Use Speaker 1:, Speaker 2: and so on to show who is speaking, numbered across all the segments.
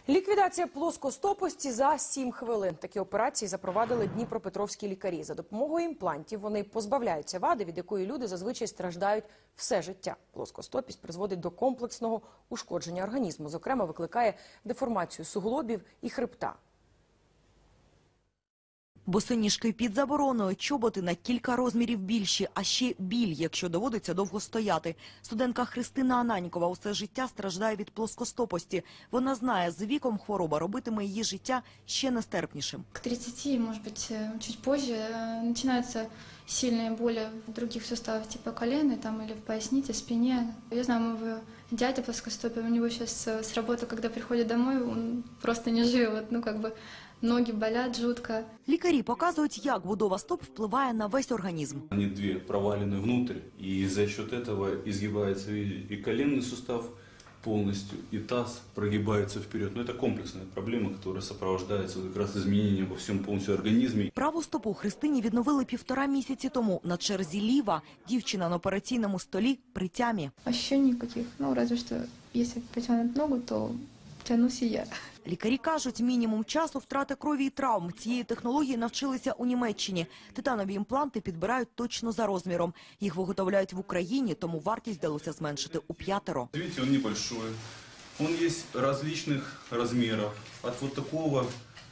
Speaker 1: Ліквідація плоскостопості за 7 хвилин. Такі операції запровадили дніпропетровські лікарі. За допомогою імплантів вони позбавляються вади, від якої люди зазвичай страждають все життя. Плоскостопість призводить до комплексного ушкодження організму. Зокрема, викликає деформацію суглобів і хребта.
Speaker 2: Босоніжки під забороною, чоботи на кілька розмірів більші, а ще біль, якщо доводиться довго стояти. Студентка Христина Ананькова усе життя страждає від плоскостопості. Вона знає, з віком хвороба робитиме її життя ще нестерпнішим.
Speaker 3: К 30, может быть, чуть позже, начинаются сильные боли в других суставах, типа колена там, или в пояснице, спине. Я знаю, моего дядя плоскостопия, у него сейчас с работы, когда приходит домой, он просто не живет, ноги болят жутко.
Speaker 2: Лікарі показують, як будова стоп впливає на весь організм.
Speaker 4: Они две провалены внутрь, и за счет этого изгибается и коленный сустав полностью, и таз прогибается вперед. Но это комплексная проблема, которая сопровождается как раз изменением во всем полностью организме.
Speaker 2: Праву стопу Христині відновили 1,5 місяці тому. На черзі ліва. Дівчина на операційному столі при тямі.
Speaker 3: Ощущений никаких, разве что, если потянуть ногу, то тянусь и я.
Speaker 2: Лікарі кажуть, мінімум часу, втрати крові і травм. Цієї технології навчилися у Німеччині. Титанові імпланти підбирають точно за розміром. Їх виготовляють в Україні, тому вартість вдалося зменшити у 5.
Speaker 4: Видите, он небольшой. Он есть различных размеров. От вот такого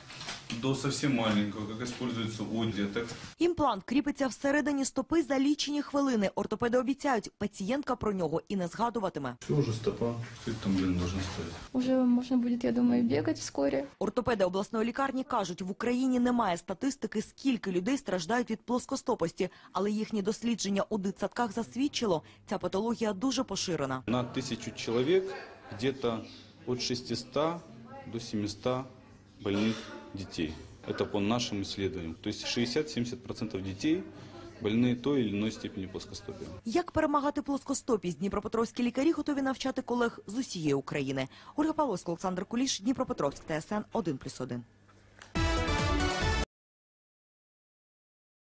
Speaker 4: до совсем маленького, как используется у деток.
Speaker 2: Імплант кріпиться всередині стопи за лічені хвилини. Ортопеди обіцяють, пацієнтка про нього і не згадуватиме.
Speaker 4: Все, уже стопа, сколько там, должна стоять.
Speaker 3: Уже можно будет, я думаю, бегать вскоре.
Speaker 2: Ортопеди обласної лікарні кажуть, в Україні немає статистики, скільки людей страждають від плоскостопості. Але їхнє дослідження у дитсадках засвідчило, ця патологія дуже поширена.
Speaker 4: На 1000 человек где-то от 600 до 700 больных детей. Это по нашим исследованиям. То есть 60-70% детей больные той или иной степени плоскостопия.
Speaker 2: Як перемагати плоскостопість? Дніпропетровські лікарі готові навчати колег з усієї України. Ольга Павловська, Олександр Куліш, Дніпропетровськ, ТСН 1+1.